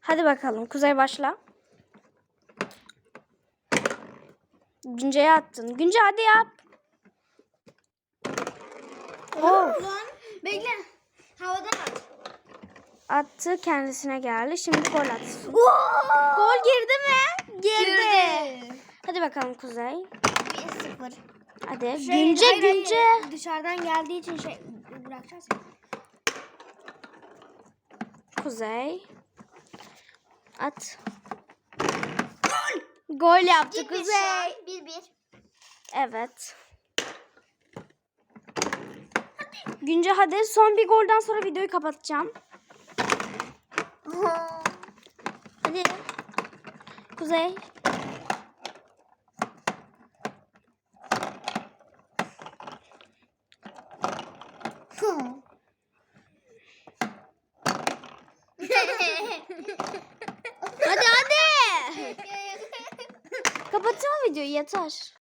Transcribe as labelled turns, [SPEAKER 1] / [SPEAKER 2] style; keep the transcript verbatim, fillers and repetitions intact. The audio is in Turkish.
[SPEAKER 1] Hadi bakalım. Kuzey başla. Günce'ye attın. Günce hadi yap. Oh.
[SPEAKER 2] Lan bekle. Havadan at.
[SPEAKER 1] Attı, kendisine geldi. Şimdi gol atsın. Gol girdi mi? Girdi. Hadi bakalım Kuzey.
[SPEAKER 2] bir sıfır.
[SPEAKER 1] Hadi.
[SPEAKER 2] Şey,
[SPEAKER 1] Günce
[SPEAKER 2] hayır, hayır.
[SPEAKER 1] Günce.
[SPEAKER 2] Dışarıdan geldiği için şey bırakacağız.
[SPEAKER 1] Kuzey. At. Gol. Gol yaptı Kuzey.
[SPEAKER 2] bir bir.
[SPEAKER 1] Evet. Günce hadi. Son bir golden sonra videoyu kapatacağım. Hadi. Kuzey. Hadi hadi. Kapatacağım videoyu, yeter.